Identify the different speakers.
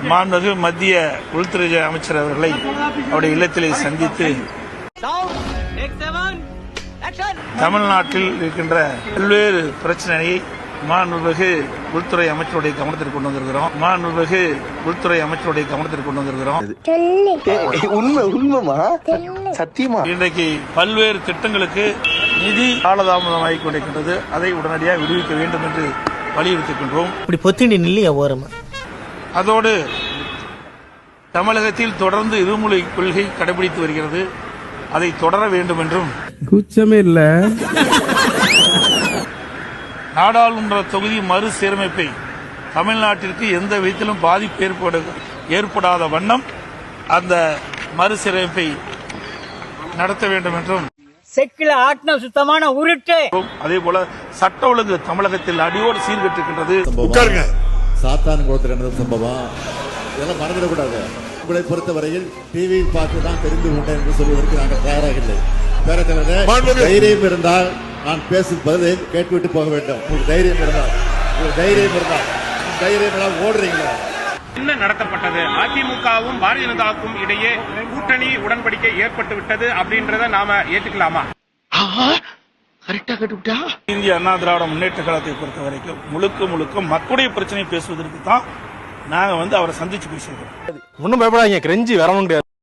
Speaker 1: மாண்புமிகு மத்திய உள்துறை அமைச்சர் அவர்களை அவருடைய இல்லத்திலே சந்தித்து தமிழ்நாட்டில் இருக்கின்ற பல்வேறு பிரச்சனையை மாண்புமிகு உள்துறை அமைச்சருடைய கவனத்திற்கு கொண்டு வந்திருக்கிறோம். இன்றைக்கு பல்வேறு திட்டங்களுக்கு நிதி காலதாமதமாகிக் கொண்டிருக்கின்றது. அதை உடனடியாக விடுவிக்க வேண்டும் என்று வலியுறுத்துகின்றோம். அதோடு தமிழகத்தில் தொடர்ந்து இருமொழி கொள்கை கடைபிடித்து வருகிறது. அதை தொடர வேண்டும் என்றும்
Speaker 2: கூச்சமே இல்ல.
Speaker 1: நாடாளுமன்ற தொகுதி மறுசீரமைப்பை தமிழ்நாட்டிற்கு எந்த விதத்திலும் பாதிப்பு ஏற்படாத வண்ணம் அந்த மறுசீரமைப்பை நடத்த வேண்டும் என்றும்
Speaker 3: சுத்தமான உருட்டு.
Speaker 1: அதே போல சட்ட ஒழுங்கு தமிழகத்தில் அடியோடு சீர்கெட்டிருக்கின்றது.
Speaker 4: சாத்தான் குளத்தில் நடந்த சம்பவம் இதெல்லாம் மறந்துடக்கூடாது. உங்களை பொறுத்தவரையில் டிவியில் பார்த்து தான் தெரிந்து கொண்டேன் என்று சொல்வதற்கு நாங்கள் தயாராக இல்லை. தைரியம் இருந்தால் நான் பேசும் பதிலில் கேட்டுவிட்டு போக வேண்டும். உங்களுக்கு தைரியம் இருந்தால் ஓடுறீங்களா?
Speaker 5: என்ன நடத்தப்பட்டது? அதிமுகவும் பாரதிய ஜனதாவுக்கும் இடையே கூட்டணி உடன்படிக்கை ஏற்பட்டு விட்டது அப்படின்றத நாம ஏற்றுக்கலாமா?
Speaker 1: இந்திய அண்ணா திராவிட முன்னேற்ற கழகத்தை பொறுத்த வரைக்கும் முழுக்க மக்களுடைய பிரச்சனை பேசுவதற்கு தான் நாங்க அவரை சந்திச்சு பேசுகிறோம்.
Speaker 2: ஒன்னும் பயப்படாதீங்க, கிரெஞ்சி வரணும்.